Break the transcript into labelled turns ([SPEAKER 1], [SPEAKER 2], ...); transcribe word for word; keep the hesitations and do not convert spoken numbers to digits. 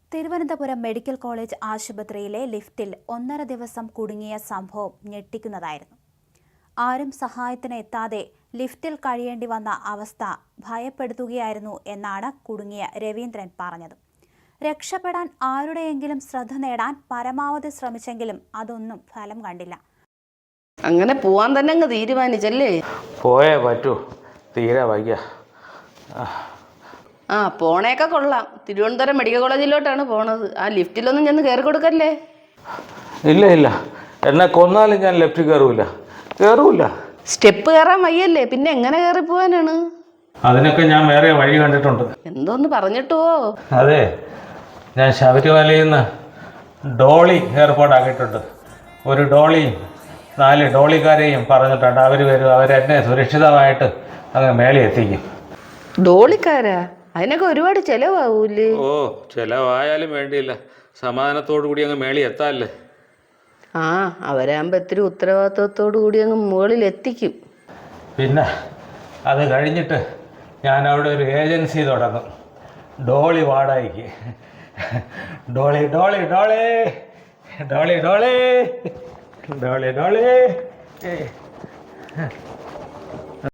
[SPEAKER 1] Thiruvananthapuram medical college ആശുപത്രിയിലെ ലിഫ്റ്റിൽ ഒന്നര ദിവസം കുടുങ്ങിയ സംഭവം ഞെട്ടിക്കുന്നതായിരുന്നു. ആരും സഹായത്തിന് എത്താതെ ലിഫ്റ്റിൽ കഴിയേണ്ടി വന്ന അവസ്ഥ ഭയപ്പെടുത്തുകയായിരുന്നു എന്നാണ് കുടുങ്ങിയ രവീന്ദ്രൻ പറഞ്ഞത്. രക്ഷപ്പെടാൻ ആരുടെയെങ്കിലും ശ്രദ്ധ നേടാൻ പരമാവധി ശ്രമിച്ചെങ്കിലും അതൊന്നും ഫലം കണ്ടില്ല.
[SPEAKER 2] അങ്ങനെ പോവാൻ തന്നെ അങ്ങ് തീരുമാനിച്ചല്ലേ?
[SPEAKER 3] പോയേ പറ്റൂ, തീരെ വയ്യ.
[SPEAKER 2] ആ പോണേക്കെ കൊള്ളാം. തിരുവനന്തപുരം മെഡിക്കൽ കോളേജിലോട്ടാണ് പോണത്. ആ ലിഫ്റ്റിലൊന്നും ചെന്ന് കയറി കൊടുക്കല്ലേ?
[SPEAKER 3] ഇല്ല ഇല്ല, എന്നെ കൊന്നാലും ഞാൻ ലിഫ്റ്റിൽ കയറൂല കയറൂല
[SPEAKER 2] സ്റ്റെപ്പ് കയറാൻ വയ്യല്ലേ, പിന്നെ എങ്ങനെ കയറി പോവാനാണ്?
[SPEAKER 3] അതിനൊക്കെ ഞാൻ വേറെ വഴി കണ്ടിട്ടുണ്ട്.
[SPEAKER 2] എന്തോന്ന് പറഞ്ഞിട്ടുവോ?
[SPEAKER 3] അതെ, ഞാൻ ശബരിമലയിൽ നിന്ന് ഡോളി ഏർപ്പാടാക്കിയിട്ടുണ്ട്. ഒരു ഡോളിയും നാല് ഡോളിക്കാരെയും പറഞ്ഞിട്ടുണ്ട്. അവർ വരും, അവരെന്നെ സുരക്ഷിതമായിട്ട് അങ്ങ് മേളി എത്തിക്കും.
[SPEAKER 2] ഡോളിക്കാരാ? അതിനൊക്കെ ഒരുപാട് ചിലവാവൂല്ലേ?
[SPEAKER 3] ഓ, ചിലവായാലും വേണ്ടിയില്ല, സമാധാനത്തോടു കൂടി അങ്ങ് മേളി എത്താല്ലേ.
[SPEAKER 2] ആ അവരാകുമ്പോൾ ഇത്തിരി ഉത്തരവാദിത്വത്തോടു കൂടി അങ്ങ് മുകളിൽ എത്തിക്കും.
[SPEAKER 3] പിന്നെ അത് കഴിഞ്ഞിട്ട് ഞാൻ അവിടെ ഒരു ഏജൻസി തുടങ്ങും, ഡോളി വാടകയ്ക്ക്. ഡോളി ഡോളി ഡോളി ഡോളി ഡോളി ഡോളി ഡോളി